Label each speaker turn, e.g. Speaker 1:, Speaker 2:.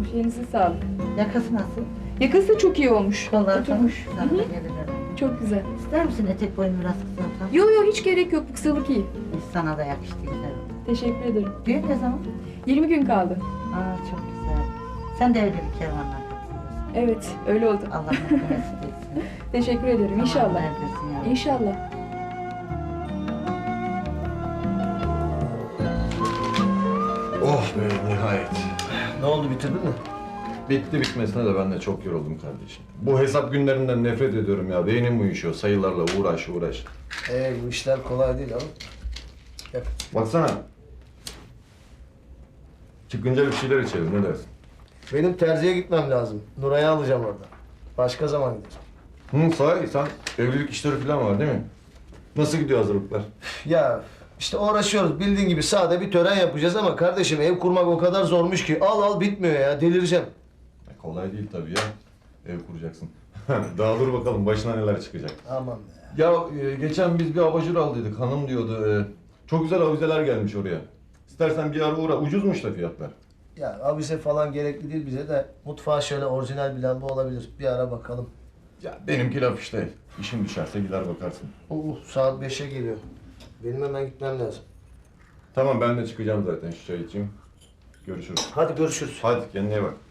Speaker 1: Elinize sağlık.
Speaker 2: Yakası nasıl?
Speaker 1: Yakası da çok iyi olmuş.
Speaker 2: Kollar
Speaker 1: Oturmuş.
Speaker 2: Sana
Speaker 1: Hı hı.
Speaker 2: da gelir herhalde.
Speaker 1: Çok güzel.
Speaker 2: İster misin etek boyunu biraz kısaltalım?
Speaker 1: Yo yo hiç gerek yok. Bu kısalık iyi.
Speaker 2: Sana da yakıştı güzel oldu.
Speaker 1: Teşekkür ederim.
Speaker 2: Düğün ne zaman?
Speaker 1: 20 gün kaldı.
Speaker 2: Aa çok güzel. Sen de öyle bir kervanla katılıyorsun.
Speaker 1: Evet öyle oldu.
Speaker 2: Allah mutlu mesut etsin.
Speaker 1: Teşekkür ederim. İnşallah.
Speaker 2: Tamam, neredesin yavrum?
Speaker 1: İnşallah.
Speaker 3: Oh be nihayet.
Speaker 4: Ne oldu, bitirdin mi?
Speaker 3: Bitti bitmesine de ben de çok yoruldum kardeşim. Bu hesap günlerinden nefret ediyorum ya. Beynim uyuşuyor. Sayılarla uğraş.
Speaker 4: Bu işler kolay değil ama. Yap.
Speaker 3: Baksana. Çıkınca bir şeyler içelim ne dersin?
Speaker 4: Benim terziye gitmem lazım. Nuray'ı alacağım orada. Başka zaman giderim.
Speaker 3: Sahi sen evlilik işleri falan var değil mi? Nasıl gidiyor hazırlıklar?
Speaker 4: Ya işte uğraşıyoruz. Bildiğin gibi sade bir tören yapacağız ama kardeşim ev kurmak o kadar zormuş ki al bitmiyor ya. Delireceğim.
Speaker 3: Kolay değil tabii ya. Ev kuracaksın. Daha dur bakalım başına neler çıkacak.
Speaker 4: Aman be.
Speaker 3: Ya geçen biz bir abajur aldıydık. Hanım diyordu. Çok güzel avizeler gelmiş oraya. İstersen bir ara uğra. Ucuzmuş da fiyatlar.
Speaker 4: Ya avize falan gerekli değil bize de mutfağa şöyle orijinal bir lamba olabilir. Bir ara bakalım.
Speaker 3: Ya benimki laf işte. İşin düşerse gider bakarsın.
Speaker 4: Saat 5'e geliyor. Benim hemen gitmem lazım.
Speaker 3: Tamam ben de çıkacağım zaten şu çay içeyim. Görüşürüz.
Speaker 4: Hadi görüşürüz.
Speaker 3: Hadi kendine iyi bak.